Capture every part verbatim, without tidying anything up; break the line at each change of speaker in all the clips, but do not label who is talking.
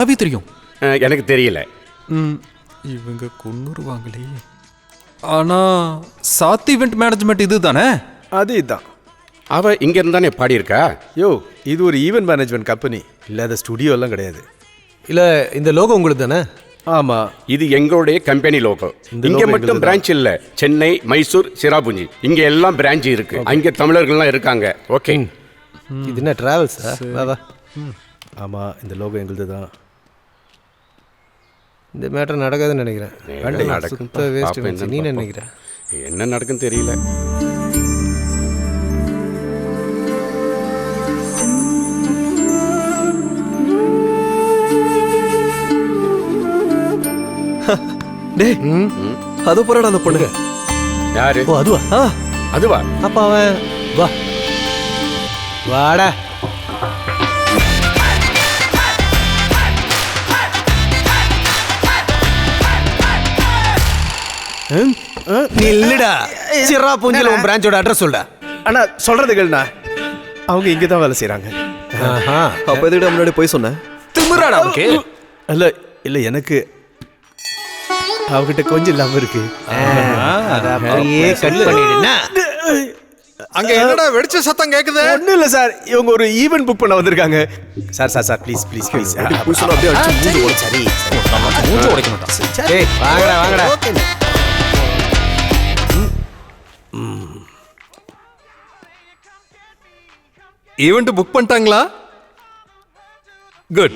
அவி தெரியும்.
எனக்கு தெரியல.
ம் இவங்க கொன்னுருவாங்களே. ஆனால் சாத் ஈவெண்ட் மேனேஜ்மெண்ட் இது தானே?
அது இதுதான்.
அவ இங்க இருந்தானே பாடியிருக்கா.
யோ, இது ஒரு ஈவெண்ட் மேனேஜ்மெண்ட் கம்பெனி, இல்லாத ஸ்டுடியோ எல்லாம் கிடையாது.
இல்லை இந்த லோகோ உங்களுக்கு தானே?
ஆமாம்,
இது எங்களுடைய கம்பெனி லோகோ. இங்க மட்டும் பிரான்ச் இல்ல, சென்னை, மைசூர், சிராபுஞ்சி, இங்க எல்லாம் பிரான்ச் இருக்கு. அங்க தமிழர்கள்லாம் இருக்காங்க. ஓகே,
இது என்ன டிராவல்ஸ்? வா
ஆமாம், இந்த லோகோ எங்களுது தான்.
இந்த மேட்டர் நடக்காதுன்னு நினைக்கிறேன்.
நடக்கும்.
சுத்த வேஸ்ட்.
பாப்போம், என்னன்னு
நீ
பாப்போம்.
நினைக்கிறேன்
என்ன நடக்கும் தெரியல.
டேய், அது போறாடா அந்த பொண்ணுங்க.
யாரு?
ஓ அதுவா?
ஆ,
அதுவா?
அப்ப அவன் வா வாடா. இல்லடா சிராபுஞ்சில உன் பிரான்ச்சோட அட்ரஸ் சொல்டா.
அண்ணா சொல்கிறது கேளுண்ணா, அவங்க இங்கே தான் வேலை செய்கிறாங்க.
அப்ப எதுக்கு முன்னாடி போய் சொன்னேன்?
திமிராடா அவனுக்கு.
இல்லை இல்லை, எனக்கு அவகிட்ட கொஞ்சம் லவ் இருக்கு.
அத அப்படியே கட் பண்ணிடுனா.
அங்க என்னடா வெடிச்ச சத்தம் கேக்குது?
ஒன்றும் இல்லை சார், இவங்க ஒரு ஈவெண்ட் புக் பண்ண வந்திருக்காங்க. Sir sir sir please please please
போய் சொன்னா அப்படியே அடிச்சு மூஞ்சி உடைச்சு.
சரி
மூச்சு உடைக்கணும்டா.
ஏய் வாங்கடா வாங்கடா.
ஈவெண்ட் புக் பண்ணிட்டாங்களா? குட்.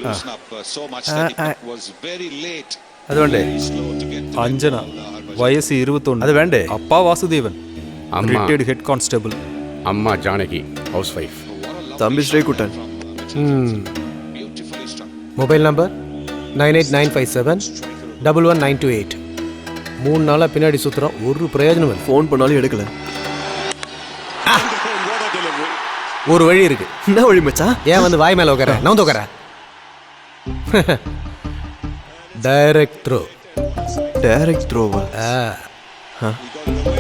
அது வேண்டே.
அஞ்சனா வயசு இருபத்தொன்னு.
அது வேண்டே.
அப்பா வாசுதேவன்,
அம்மா.
Retired head constable.
அம்மா ஜானகி, ஹவுஸ் வைஃப்.
தம்பி Sreekuttan.
Mobile number nine eight nine five seven double one nine two eight. மூணு நாளாக பின்னாடி சுற்றுறோம், ஒரு பிரயோஜனம் இல்லை.
ஃபோன் பண்ணாலும் எடுக்கல.
ஒரு வழி இருக்கு.
என்ன வழி மச்சான்?
ஏன் வந்து வாய் மேலே உட்கார? நான் உட்கார. Direct throw.
டைரக்ட் த்ரோவா?
ஆ